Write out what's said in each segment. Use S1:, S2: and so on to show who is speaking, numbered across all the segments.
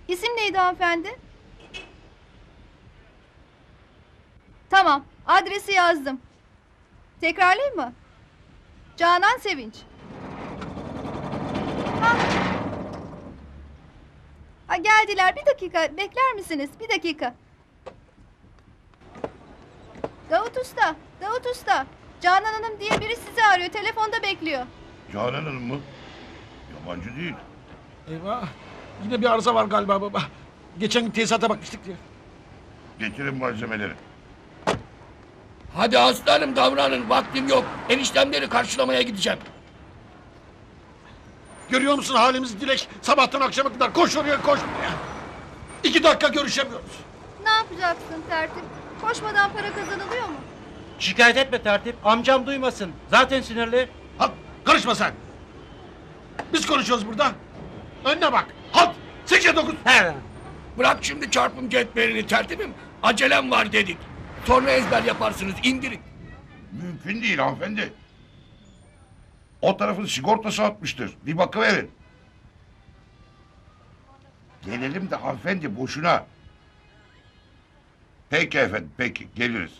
S1: İsim neydi hanımefendi? Tamam, adresi yazdım. Tekrarlayayım mı? Canan Sevinç. Ha. Ha, geldiler. Bir dakika bekler misiniz? Bir dakika. Davut Usta, Davut Usta. Canan Hanım diye biri sizi arıyor. Telefonda bekliyor.
S2: Canan Hanım mı? Yabancı değil.
S3: Eyvah. Yine bir arıza var galiba baba. Geçen gün tesisata bakmıştık diye.
S2: Getirin malzemeleri.
S4: Hadi aslanım davranın, vaktim yok. Eniştemleri karşılamaya gideceğim.
S3: Görüyor musun halimizi Dilek? Sabahtan akşama kadar koş oraya koş buraya. 2 dakika görüşemiyoruz.
S1: Ne yapacaksın tertip? Koşmadan para kazanılıyor mu?
S5: Şikayet etme tertip. Amcam duymasın. Zaten sinirli.
S3: Halt karışma sen. Biz konuşuyoruz burada. Önüne bak. Halt. 8'e 9.
S5: He.
S4: Bırak şimdi çarpım cetvelini tertibim. Acelem var dedik. Sonra ezber yaparsınız, indirin.
S2: Mümkün değil hanımefendi. O tarafın sigortası atmıştır. Bir bakıverin. Gelelim de hanımefendi boşuna. Peki efendim peki geliriz.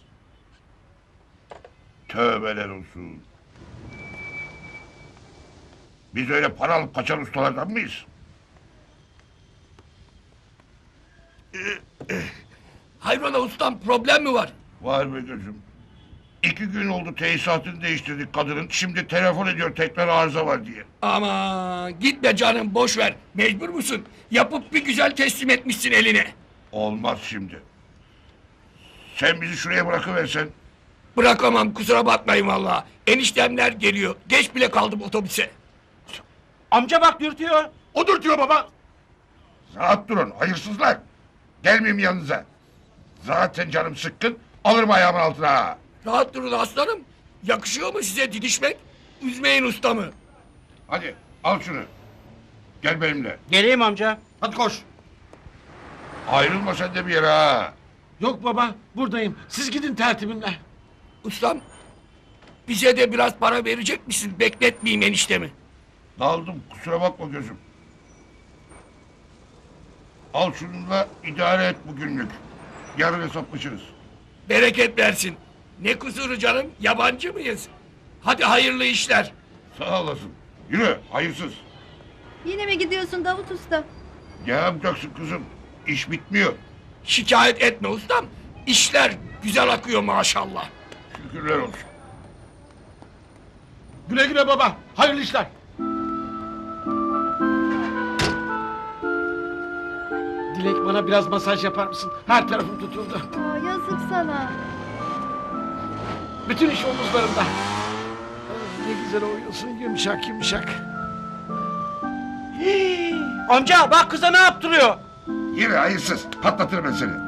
S2: Tövbeler olsun. Biz öyle para alıp kaçan ustalardan mıyız?
S4: Hayrola ustam, problem mi var?
S2: Var be gözüm. 2 gün oldu tesisatını değiştirdik kadının. Şimdi telefon ediyor tekrar arıza var diye.
S4: Ama gitme canım, boş ver. Mecbur musun? Yapıp bir güzel teslim etmişsin eline.
S2: Olmaz şimdi. Sen bizi şuraya bırakıversen.
S4: Bırakamam, kusura bakmayın vallahi. Eniştemler geliyor. Geç bile kaldım otobüse.
S5: Amca bak dürtüyor.
S3: Odur diyor baba.
S2: Rahat durun hayırsızlar. Gelmeyeyim yanınıza. Zaten canım sıkkın. Alırım ayağımın altına. Ha.
S4: Rahat durun aslanım. Yakışıyor mu size didişmek? Üzmeyin ustamı.
S2: Hadi al şunu. Gel benimle.
S5: Geleyim amca.
S3: Hadi koş.
S2: Ayrılma sen de bir yere ha.
S3: Yok baba buradayım. Siz gidin tertibimle.
S4: Ustam, bize de biraz para verecek misin? Bekletmeyeyim eniştemi.
S2: Daldım kusura bakma gözüm. Al şununla idare et bugünlük. Yarın hesaplaşırız.
S4: Bereket versin. Ne kusuru canım? Yabancı mıyız? Hadi hayırlı işler.
S2: Sağ olasın. Yürü hayırsız.
S1: Yine mi gidiyorsun Davut Usta?
S2: Ne yapacaksın kızım? İş bitmiyor.
S4: Şikayet etme ustam. İşler güzel akıyor maşallah.
S2: Şükürler olsun.
S3: Güle güle baba. Hayırlı işler. Dilek bana biraz masaj yapar mısın? Her tarafım tutuldu.
S1: Aa, yazık sana.
S3: Bütün iş omuzlarımda. Ne güzel oynuyorsun yumuşak yumuşak.
S5: Hii. Amca bak kıza ne yaptırıyor.
S2: Yürü hayırsız. Patlatırım ben seni.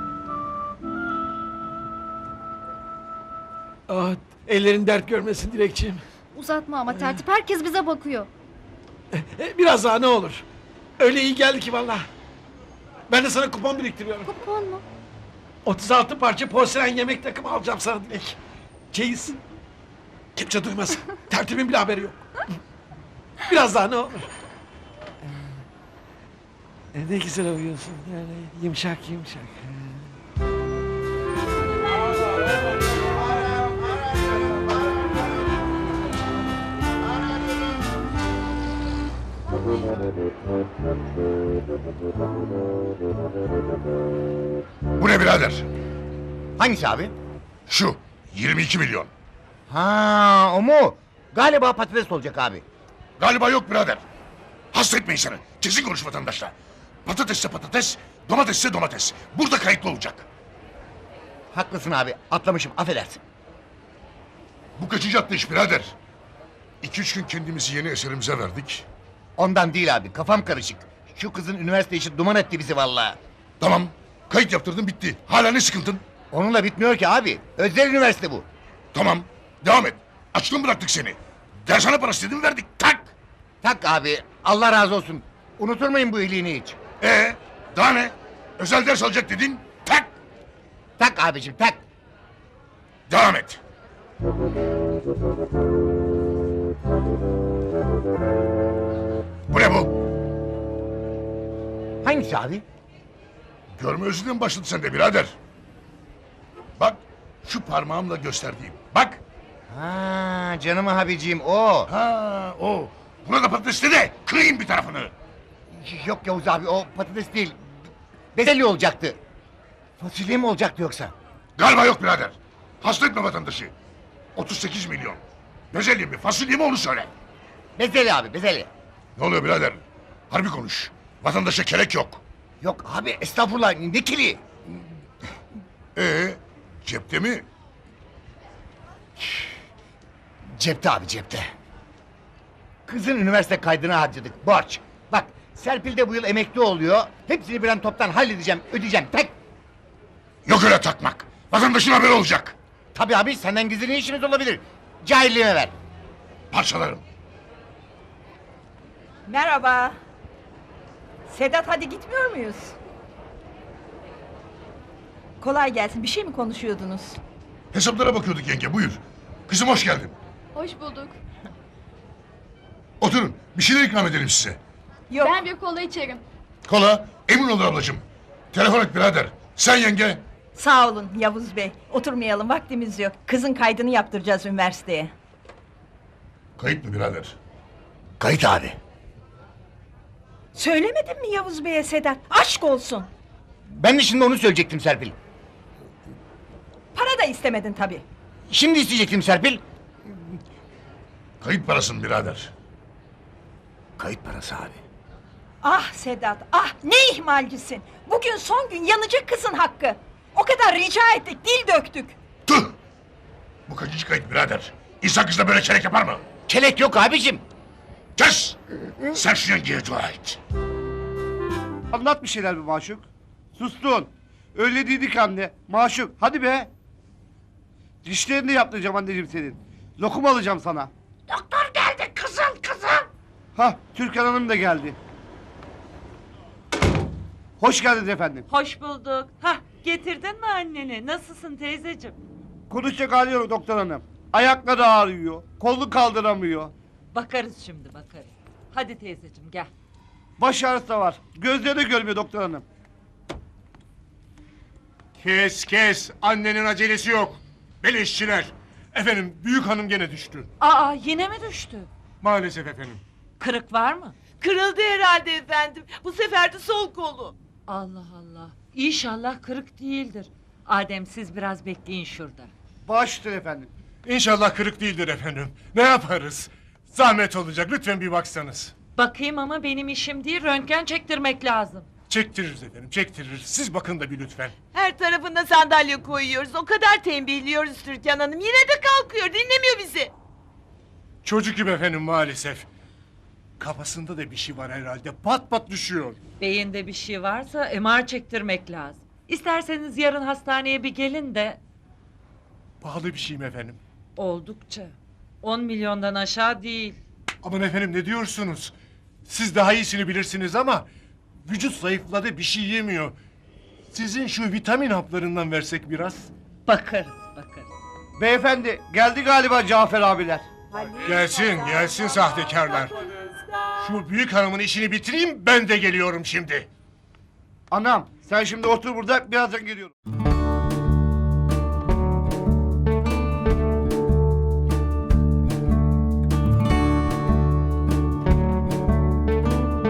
S3: Ah, ellerin dert görmesin Dilekçiğim.
S1: Uzatma ama tertip, herkes bize bakıyor.
S3: Biraz daha ne olur. Öyle iyi geldi ki vallahi. Ben de sana kupon biriktiriyorum.
S1: Kupon mu?
S3: 36 parça porselen yemek takımı alacağım sana Dilek. Çeyiz. Kimse duymasın. Tertibin bile haberi yok. Biraz daha ne olur. Ne güzel oynuyorsun. Yani yumuşak yumuşak.
S2: Bu ne birader?
S6: Hangisi abi?
S2: Şu 22 milyon.
S6: Ha, o mu? Galiba patates olacak abi.
S2: Galiba yok birader. Hasta etme insanı. Kesin konuş vatandaşla. Patatesse patates, domatesse domates. Burada kayıtlı olacak.
S6: Haklısın abi, atlamışım, affedersin.
S2: Bu kaçıncı atlı iş birader? 2-3 gün kendimizi yeni eserimize verdik.
S6: Ondan değil abi, kafam karışık. Şu kızın üniversite işi duman etti bizi vallahi.
S2: Tamam. Kayıt yaptırdın bitti. Hala ne sıkıntın?
S6: Onunla bitmiyor ki abi. Özel üniversite bu.
S2: Tamam. Devam et. Açlığın bıraktık seni. Dershane parası dedim verdik. Tak.
S6: Tak abi, Allah razı olsun. Unutur muyum bu iyiliğini hiç?
S2: Daha ne? Özel ders alacak dedin. Tak.
S6: Tak abicim, tak.
S2: Devam et. Bu ne bu?
S6: Hangi Hangisi abi?
S2: Görme özüne mi başladı sende birader? Bak şu parmağımla gösterdiğim. Bak.
S6: Ha canım abicim o.
S2: Ha o. Buna da patatesle de kırayım bir tarafını.
S6: Yok Yavuz abi o patates değil. Bezelye olacaktı. Fasulye mi olacaktı yoksa?
S2: Galiba yok birader. Hasta etme vatandaşı. 38 milyon. Bezelye mi fasulye mi onu söyle.
S6: Bezelye abi bezelye.
S2: Ne oluyor birader? Harbi konuş. Vatandaşa kelek yok.
S6: Yok abi estağfurullah ne kili?
S2: Cepte mi?
S6: Cepte abi cepte. Kızın üniversite kaydına harcadık borç. Bak Serpil de bu yıl emekli oluyor. Hepsini bir an toptan halledeceğim ödeyeceğim tek.
S2: Yok öyle takmak. Vatandaşın haberi olacak.
S6: Tabii abi senden gizli ne işimiz olabilir? Cahilliğime ver.
S2: Parçalarım.
S7: Merhaba. Sedat hadi gitmiyor muyuz? Kolay gelsin. Bir şey mi konuşuyordunuz?
S2: Hesaplara bakıyorduk yenge buyur. Kızım hoş geldin.
S1: Hoş bulduk.
S2: Oturun bir şeyler ikram edelim size.
S7: Yok.
S1: Ben bir kola içerim.
S2: Kola emin olur ablacığım. Telefon et birader. Sen yenge.
S7: Sağ olun Yavuz Bey. Oturmayalım vaktimiz yok. Kızın kaydını yaptıracağız üniversiteye.
S2: Kayıt mı birader?
S6: Kayıt abi.
S7: Söylemedin mi Yavuz Bey'e Sedat? Aşk olsun.
S6: Ben de şimdi onu söyleyecektim Serpil.
S7: Para da istemedin tabii.
S6: Şimdi isteyecektim Serpil.
S2: Kayıt parasın birader.
S6: Kayıt parası abi.
S7: Ah Sedat, ah ne ihmalcisin. Bugün son gün yanacak kızın hakkı. O kadar rica ettik, dil döktük.
S2: Tüh! Bu kaçıncı kayıt birader? İnsan kızla böyle kelek yapar mı?
S6: Kelek yok abicim.
S2: Kes! Sen şu yengeye dua et.
S8: Anlat bir şeyler be Maşuk. Sustun. Öyle değildik anne. Maşuk hadi be. Dişlerini de yaptıracağım anneciğim senin. Lokum alacağım sana.
S7: Doktor geldi kızım.
S8: Hah Türkan Hanım da geldi. Hoş geldiniz efendim.
S9: Hoş bulduk. Hah, getirdin mi anneni? Nasılsın teyzeciğim?
S8: Konuşacak hali yok doktor hanım. Ayakları ağrıyor. Kolunu kaldıramıyor.
S9: Bakarız şimdi bakarız. Hadi teyzeciğim gel.
S8: Baş ağrısı da var. Gözleri de görmüyor doktor hanım.
S10: Kes. Annenin acelesi yok. Beleşçiler. Efendim büyük hanım gene düştü.
S9: Aa yine mi düştü?
S10: Maalesef efendim.
S9: Kırık var mı?
S11: Kırıldı herhalde efendim. Bu sefer de sol kolu.
S9: Allah Allah. İnşallah kırık değildir. Adem siz biraz bekleyin şurada.
S8: Baş üstüne efendim.
S10: İnşallah kırık değildir efendim. Ne yaparız? Zahmet olacak lütfen bir baksanız.
S9: Bakayım ama benim işim değil, röntgen çektirmek lazım.
S10: Çektiririz efendim çektiririz. Siz bakın da bir lütfen.
S11: Her tarafına sandalye koyuyoruz. O kadar tembihliyoruz Türkan Hanım. Yine de kalkıyor. Dinlemiyor bizi.
S10: Çocuk gibi efendim maalesef. Kafasında da bir şey var herhalde. Pat pat düşüyor.
S9: Beyinde bir şey varsa MR çektirmek lazım. İsterseniz yarın hastaneye bir gelin de
S10: Pahalı bir şey mi efendim?
S9: oldukça. 10 milyondan aşağı değil.
S10: Aman efendim ne diyorsunuz? Siz daha iyisini bilirsiniz ama vücut zayıfladı bir şey yemiyor. Sizin şu vitamin haplarından versek biraz.
S9: Bakarız.
S8: Beyefendi geldi galiba Cafer abiler.
S10: Gelsin sahtekarlar. Şu büyük hanımın işini bitireyim ben de geliyorum şimdi.
S8: Anam sen şimdi otur burada birazdan geliyorum.